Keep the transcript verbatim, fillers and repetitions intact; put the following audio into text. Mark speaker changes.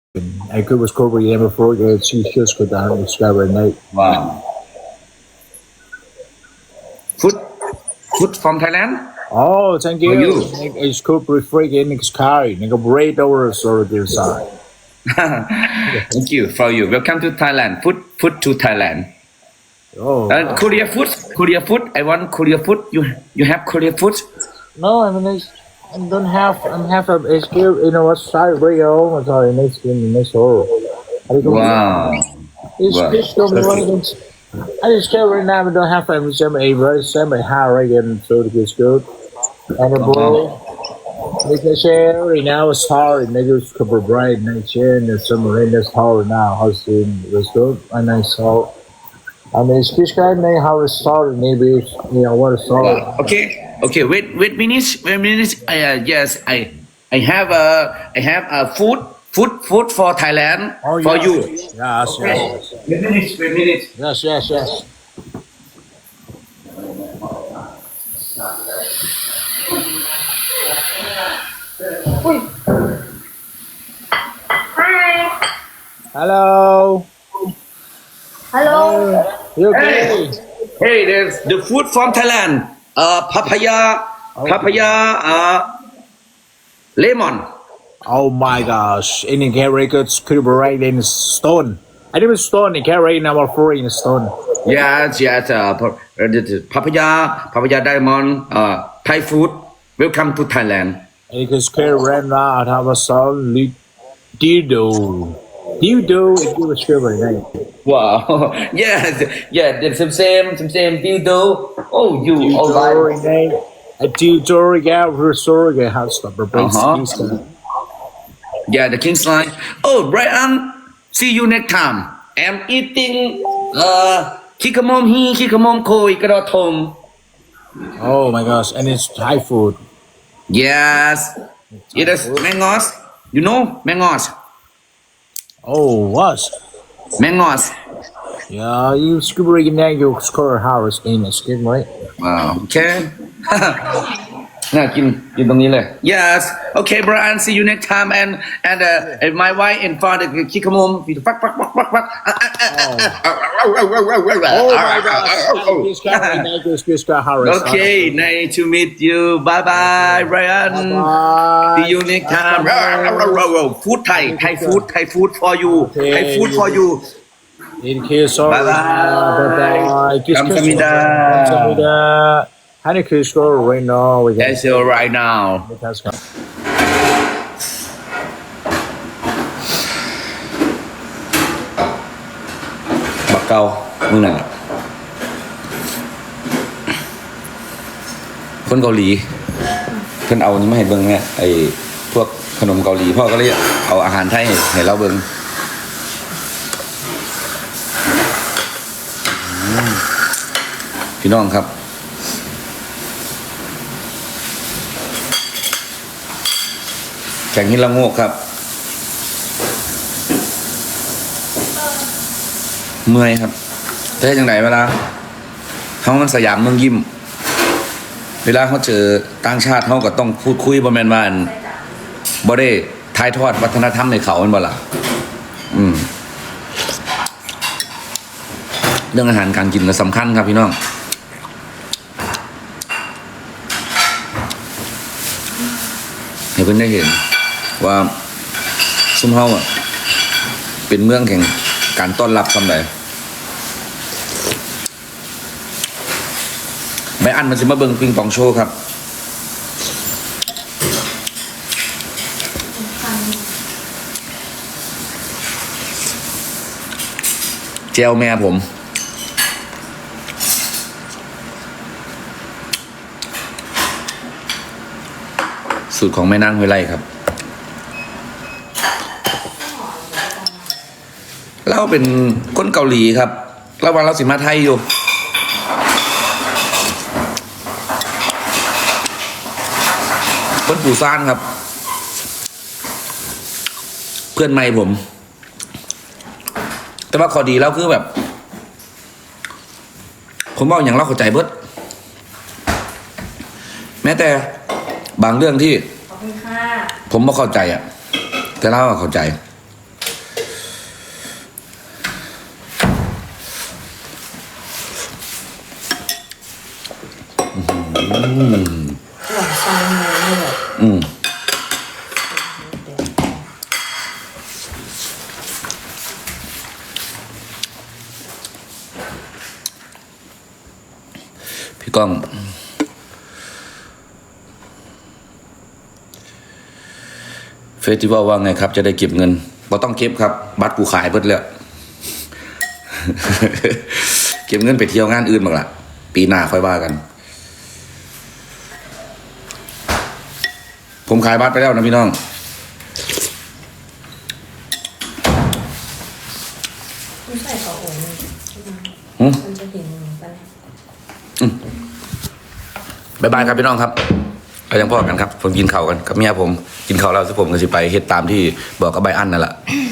Speaker 1: I could was Korean before that she just go down and discover at night.
Speaker 2: Wow. Food, food from Thailand.
Speaker 1: Oh, thank
Speaker 2: For
Speaker 1: you.
Speaker 2: you.
Speaker 1: It's Cooper freaking it's Kai. Nigga bread over so their side.
Speaker 2: Thank you for you. Welcome to Thailand. Food, food to Thailand.
Speaker 1: Oh.
Speaker 2: Uh, Korea food, Korea food. I want Korea food. You, you have Korea food?
Speaker 1: No, I mean it's, I don't have I have a it's here you know what side radio. I'm sorry, next in next hole.
Speaker 2: Wow.
Speaker 1: It's
Speaker 2: Wow.
Speaker 1: just don't be one against I just care right now. I don't have any same a very same a high again, so it is good. And the ball, like I say, right now it's hard. Niggas cover bright next year, and there's some rain that's hard now. How's it was good, and I saw. I mean, it's just kind of how it started. Maybe you know what it started.
Speaker 2: Wow. Okay. Okay. Wait. Wait. Minutes. Wait. Minutes. Uh, yes. I. I have a. I have a food. Food. Food for Thailand.
Speaker 1: Oh,
Speaker 2: for
Speaker 1: yes.
Speaker 2: you.
Speaker 1: Yes,
Speaker 2: Okay.
Speaker 1: yes,
Speaker 2: Wait minutes. Wait minutes.
Speaker 1: yes, yes, yes. Hello.
Speaker 3: Hello.
Speaker 1: You okay?
Speaker 2: Hey, there's the food from Thailand. Uh, papaya. Papaya. Uh, lemon.
Speaker 1: Oh my gosh! In the carry goods could be right in stone. I didn't stone. The carry number four in stone.
Speaker 2: Yes. Yes. Uh, pa- uh, the- the papaya. Papaya diamond. Uh, Thai food. Welcome to Thailand.
Speaker 1: Because carry right now have a song. Dildo. Dildo is your favorite name.
Speaker 2: Wow. yes. Yeah. The same. Same. Same. Same. Dildo. Oh, you. All
Speaker 1: Dildo
Speaker 2: right.
Speaker 1: name. A dildo gal restored a house number.
Speaker 2: Uh-huh. Yeah, the King's line. Oh, Brian, see you next time. I'm eating uh kikamom he, kikamom koi, karatom.
Speaker 1: Oh my gosh! And it's Thai food.
Speaker 2: Yes. It is mangos. You know mangos.
Speaker 1: Oh, what?
Speaker 2: Mangos.
Speaker 1: Yeah, you scuba name your score Harris in a skin, right?
Speaker 2: Wow. Okay. น่ากินกินตรงนี้เลย Yes Okay Brian see you next time and and uh, and my wife and father คิดขมมฟักฟักฟักฟักฟัก
Speaker 1: Oh my gosh! This guy, this this guy Harris.
Speaker 2: Okay nice to meet you bye bye Brian
Speaker 1: Bye.
Speaker 2: see you next time food Thai Thai food Thai food for you Thai food for you
Speaker 1: Thank you so much.
Speaker 2: Bye bye.
Speaker 1: Bye bye.
Speaker 2: Kamsahamnida.
Speaker 1: Kamsahamnida. Honey, could you score right now? We
Speaker 2: That's all right now
Speaker 1: That's good.
Speaker 2: บักเกามึงน่ะคนเกาหลีเพิ่นเอานี่มาให้เบิ่งเนี่ยไอ้พวกขนมเกาหลีพ่อก็เลยเอาอาหารไทยให้เราเบิ่งพี่น้องครับแข่งหินละโงกครับเมื่อยครับแต่จังไหนเวลาเขามันสยามเมืองยิ้มเวลาเขาเจอต่างชาติเขาก็ต้องพูดคุยบ่แม่นว่าบ่ได้ถ่ายทอดวัฒนธรรมให้เขาแม่นบ่ล่ะอืมเรื่องอาหารการกินก็สำคัญครับพี่น้องให้เพิ่นได้เห็นว่าซุมเฮาอ่ะเป็นเมืองแห่งการต้อนรับซำใดใบอันมันสิมาเบิ่งปิงปองโชว์ครับแจวแม่ผมสูตรของแม่นางห้วยไร่ครับเราเป็นคนเกาหลีครับเราวันเราสิมาไทยอยู่คนปู่ซ่านครับ เพื่อนใหม่ผม แต่ว่าข้อดีแล้วคือแบบ ผมบอกอย่างเราเข้าใจเบิดแม้แต่บางเรื่องที่ผมไม่เข้าใจอ่ะแต่เราเข้าใจ
Speaker 3: หวานซองเลยไม่แบบ
Speaker 2: อืมพี่ก้องเฟสติวัลว่าไงครับ จะได้เก็บเงินบ่ต้องเก็บครับ บัตรกูขายเบิดแล้ว เก็บเงินไปเที่ยวงานอื่นบ้างล่ะ ปีหน้าค่อยว่ากัน ผมขายบัตรไปแล้วนะพี่น้อง
Speaker 3: ไม่ใส่กระโอง
Speaker 2: หืม
Speaker 3: มันจะเห็นปะเนี่ย
Speaker 2: บ๊ายบายครับพี่น้องครับเรายังพ่อกันครับ ผมกินข้าวกันกับเมียผม กินข้าวแล้วสิผมก็สิไปเฮ็ดตามที่บอกกับใบอันนั่นแหละ